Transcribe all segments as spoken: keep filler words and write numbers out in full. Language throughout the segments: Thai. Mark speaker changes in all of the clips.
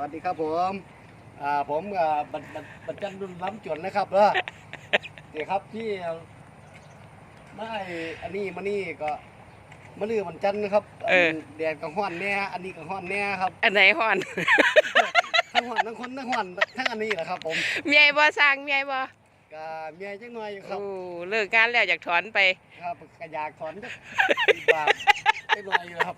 Speaker 1: วัสดีครับผมอ่าผมอ่าบันบันบันจันดุลล้ำจวนนะครับเออเดี๋ยวครับที่ไม่อันนี้มานี่ก็มะลือบันจันนะครับ
Speaker 2: เออ
Speaker 1: แดดกับห้อนแน่อันนี้กับห้อนแน่ครับ
Speaker 2: อันไหนฮ้อน
Speaker 1: ทั้งห้อนทั้งคนทั้งห้อนทั้งอันนี้แหละครับ ผม
Speaker 2: เมียบ่สร้างเมียบ่
Speaker 1: ก็เมียจังหน่อยอยู่ครับ
Speaker 2: โอ้เลิกงานแล้วอยากถอนไป
Speaker 1: ครับกระยากถอนจักบาทจังหน่อยอยู่ครับ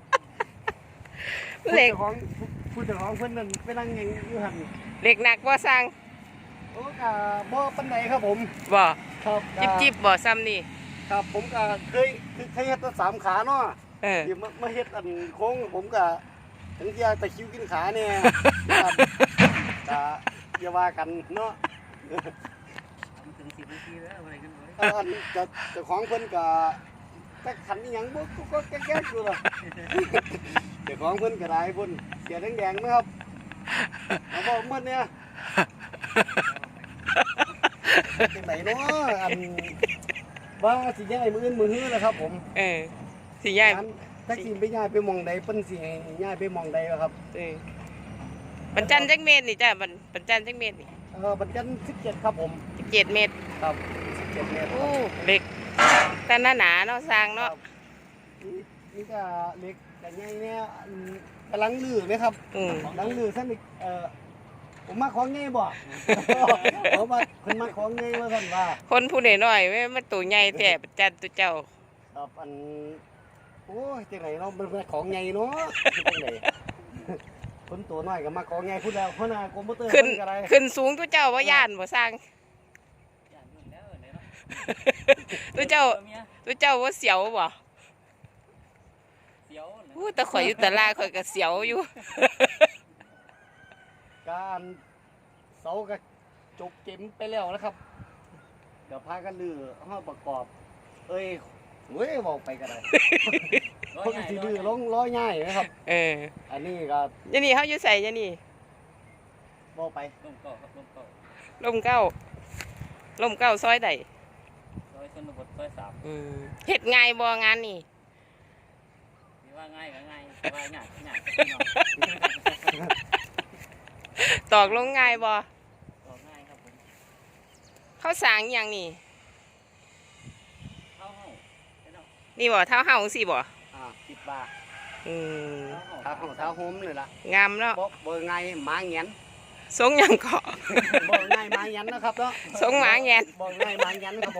Speaker 2: เหล็ก
Speaker 1: ผู้จ้าของผู้เจ้าของเพิ่นนั่นไปนั่งยังอยู่หัน
Speaker 2: เหล็กหนักบ่สร้าง
Speaker 1: โอ้กะบ่ปันไหนครับผม
Speaker 2: บ่
Speaker 1: ครับ
Speaker 2: จิบจิบบ่ซ้ำนี่
Speaker 1: ครับผมก็เคยเคยเฮ็ดตั้งสามขาเนาะ
Speaker 2: เออ
Speaker 1: ที่มามาเฮ็ดอันโค้งผมก็ถึงจะตะคริวกินขาเนี่ยนะครับก็อย่าว่ากันเนาะ
Speaker 3: ถึงสิบนาทีแล้วอะไรกันไว้
Speaker 1: เอออันจะเจ้าของเพิ่นก็จักขันอีหยังบ่ก็แก๊กๆอยู่ล่ะเจ้าของเพิ่นก็ได้เพิ่นเสียแดงๆนะครับเอาบ่หมดเนี่ยจังไดเนาะอันว่าสิย้ายมื้ออื่นมื้อฮื้อนะครับผม
Speaker 2: เออสิย้าย
Speaker 1: งั้นถ้าสิไปย้ายไปหม่องใดเพิ่นสิให้ย้ายไปหม่องใดวะครับ
Speaker 2: เออปันจันจักเมตรนี่จ้ะปันปันจันจักเมตรนี่
Speaker 1: เออบัดจันสิบเจ็ดครับผม
Speaker 2: สิบเจ็ดเมตร
Speaker 1: ครับสิบเจ็ดเมตรค
Speaker 2: โอ้
Speaker 1: รับ
Speaker 2: เหล็กแต่หนาหนาเนาะสร้าง
Speaker 1: ค
Speaker 2: เนาะ
Speaker 1: รับนี่นี่ก็เล็กแต่ใหญ่เนี่ยอืมกำลังลือเลยครับ
Speaker 2: อืม
Speaker 1: กำลังลือซั่นอีกเอ่อผมมาของใหญ่บ่ผมมาเพิ่นมาของใหญ่ว่าซั่นว่า
Speaker 2: คนผู้น้อยๆแม่มันตัวใหญ่แต่ปันจันตัวเจ้า
Speaker 1: ครับอันโอ้ยจังไหนเนาะมันเป็นของใหญ่เนาะจังไหนคนตัวน้อยก็มาของใหญ่พูดแล้วเพราะน่ะคอมพิวเตอร์
Speaker 2: ขึ้น
Speaker 1: เพิ่นก็ได้
Speaker 2: ขึ้นสูงตัวเจ้าว่าย่านบ่สร้าง
Speaker 3: อย่างนู้นแล้วไหนเนาะ
Speaker 2: ตัวเจ้า
Speaker 3: เมีย
Speaker 2: ตัวเจ้าว่าเสียวบ่
Speaker 3: เสียวนะ
Speaker 2: อู้แต่ข่อยอยู่ตลาดข่อยก็เสียวอยู่
Speaker 1: การเสาก็จบเก็มไปแล้วนะครับ เดี๋ยวพากันลือห้าประกอบ เอ้ยเว้ยบอกไปกันเลยเพราะสิลือลงล้อง่ายนะครับ
Speaker 2: เออ
Speaker 1: อันนี้ก็
Speaker 2: ยะนี่เขาอยู่ใส่ยะนี่
Speaker 1: บอกไป
Speaker 3: ลมเก่าครับลมเก่า
Speaker 2: ลมเก้าลมเก้าซอยใด
Speaker 3: ซอยชนบทซอยสาม
Speaker 2: อืมเฮ็ดง่ายบ่งานนี่
Speaker 3: มีว่าง่ายก็ง่ายแต่ว่าหยาดหยาดก็พี่น้อง
Speaker 2: ตอกลงง่ายบ่
Speaker 3: ก็ง่ายครับผม
Speaker 2: เขาสร้างอหย่างนี่
Speaker 3: เข้าห้องไปเนาะ
Speaker 2: นี่บ่เท้าเฮาสิบ่
Speaker 1: อ่าสิบบาท
Speaker 2: อืม
Speaker 3: เข้าห้อง
Speaker 1: เท้าของเท้าโฮมเลยล่ะ
Speaker 2: งามเนาะ
Speaker 1: บอกเบอร์ไงหมาเงียน
Speaker 2: สงหยังเกาะ
Speaker 1: บอกไงหมาเงียนนะครับเนาะ
Speaker 2: สงหมาแงน
Speaker 1: บอกไงหมาเงียนครับผม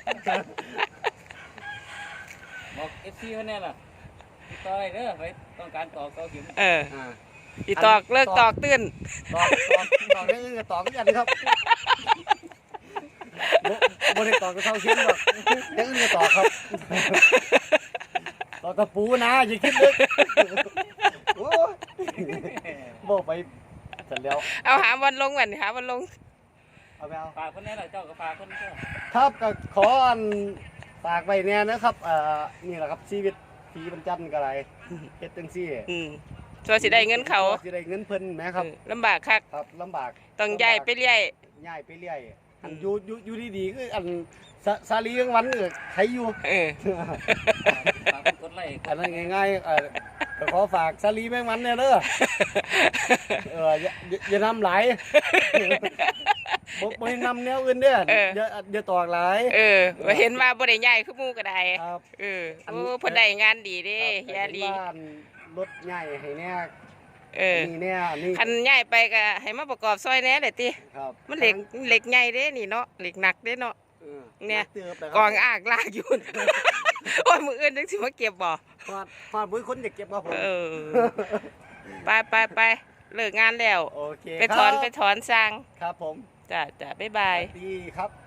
Speaker 3: บอกเอฟซีมันเนี่ยล่ะติดต่อได้เด้อไปต้องการต่อเกาเข็ม
Speaker 2: เออ
Speaker 1: อ่า
Speaker 2: อีตอกเลิกตอกตื่น
Speaker 1: ตอกตอกตอกได้อื่นกับตอกกันครับบ่ได้ตอกกับเท้าเข็มหรอกได้อื่นกับตอกครับตอกกระปูนะอย่าคิดลึกโอ้ยบอกไปเสร็จแล้ว
Speaker 2: เอาหาวันลงก่อนหาวันลง
Speaker 1: เอาไปเอา
Speaker 3: ฝากคนนี้แหละเจ้าก็ฝากคนนี้ก็
Speaker 1: ครับก็ขออันฝากไว้เนี่ยนะครับเอ่อนี่แหละครับชีวิตผีบรรจันก็ไรเฮ็ดจังซี่
Speaker 2: อืมตัวสิได้เงินเขา
Speaker 1: สิได้เงินเพิ่นแหมครับ
Speaker 2: เออลำบากคัก
Speaker 1: ครับลำบาก
Speaker 2: ต้องย้ายไปเรื่อย
Speaker 1: ย้ายไปเรื่อยอัน
Speaker 2: อืม
Speaker 1: อยู่อยู่อยู่ดีๆคืออันสสาลีกลางวันเออใครอยู่
Speaker 2: เออ
Speaker 3: ฝากคนกดไลค์
Speaker 1: อันนั้นง่ายๆเออก็ขอฝากสาลีแมงมันเนี่ยเด้อเอออย่าอย่าอย่านำหลายบ่บ่ให้นำแนวอื่นเด้ออย่าอย่าตอกหลาย
Speaker 2: เออว่าเห็นว่าบ่ได้ย้ายคือหมู่ก็ได้
Speaker 1: ครับ
Speaker 2: เออโอ้เพิ่นได้งานดีเด้เฮียลี
Speaker 1: บ้านรถใหญ่ให้แน่
Speaker 2: เออ
Speaker 1: นี่เนี่ยนี่
Speaker 2: คันย้ายไปก็ให้มาประกอบซอยแหน่แหละติ
Speaker 1: ครับ
Speaker 2: มันเหล็กเหล็กใหญ่เด้นี่เนาะเหล็กหนักเด้เนาะ
Speaker 1: ออ
Speaker 2: เนี่ย
Speaker 1: เติบเลย
Speaker 2: กองอากลากอยู่ โอ้ยมืออื่นจังสิมาเก็บบ่
Speaker 1: ฟาดฟาดบุ้ยคนอยากเก็บครับผม
Speaker 2: เออ ไปไปไปเลิกงานแล้ว
Speaker 1: โอเค
Speaker 2: ไปถอน
Speaker 1: ครับ
Speaker 2: ไปถอนสร้าง
Speaker 1: ครับผม
Speaker 2: จ้ะจ้ะบ๊ายบาย
Speaker 1: ดีครับ